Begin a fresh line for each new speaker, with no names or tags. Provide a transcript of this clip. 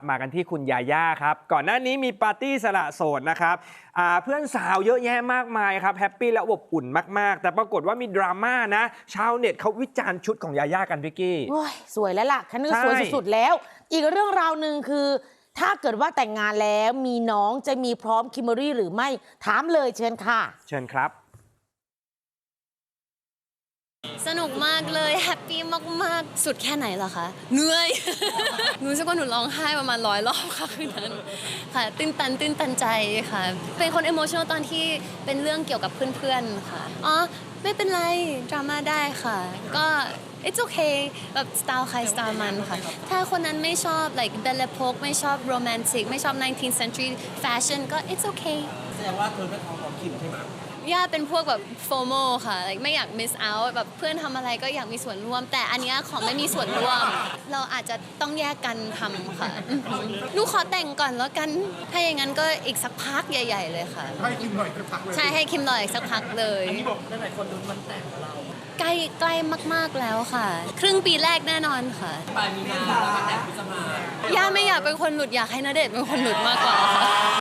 มากันที่คุณยาย่าครับก่อนหน้านี้มีปาร์ตี้สละโสดนะครับเพื่อนสาวเยอะแยะมากมายครับแฮปปี้และอบอุ่นมากๆแต่ปรากฏว่ามีดราม่านะชาวเน็ตเขาวิจารณ์ชุดของยาย่ากันพี่กี้
สวยแล้วล่ะคันนึงสวยสุดๆแล้วอีกเรื่องราวหนึ่งคือถ้าเกิดว่าแต่งงานแล้วมีน้องจะมีพร้อมคิมเบอรี่หรือไม่ถามเลยเชิญค่ะ
เชิญครับ
สนุกมากเลยแฮปปี้มากๆสุดแค่ไหนล่ะคะเหนื่อย หนูรู้สึกว่าหนูร้องไห้ประมาณ100 รอบค่ะคืนนั้นค่ะตื้นตันใจค่ะเป็นคนอิโมชัน a ลตอนที่เป็นเรื่องเกี่ยวกับเพื่อนๆค่ะอ๋อไม่เป็นไรดราม่าได้ค่ะก็ it's okay แบบสไตล์ใครสไตล์มันค่ะถ้าคนนั้นไม่ชอบ like Belle Epoque ไม่ชอบ romantic ไม่ชอบ 19th century fashion ก็ it's okay
แสดงว่าเธอไม่ท้องของคิมใช่ไหม
ย่าเป็นพวกแบบ FOMO ค่ะ like ไม่อยาก miss out แบบเพื่อนทำอะไรก็อยากมีส่วนร่วมแต่อันนี้ขอไม่มีส่วนร่วมเราอาจจะต้องแยกกันทำค่ะหนูขอแต่งก่อนแล้วกันถ้าอย่างนั้นก็อีกสักพักใหญ่ๆเลยค่ะ
ให้คิมหน่อยสักพักเลย
ใช่ให้คิมหน่อยสักพักเลย
อันนี้บอกหลายคนลุ้นวันแต่งของเรา
ใกล้มากๆแล้วค่ะครึ่งปีแรกแน่นอนค่ะ
ปลายมีนาแล้วก็แต่งพฤษภา
ย่าไม่อยากเป็นคนหลุดอยากให้ณเดชน์เป็นคนหลุดมากกว่าค่ะ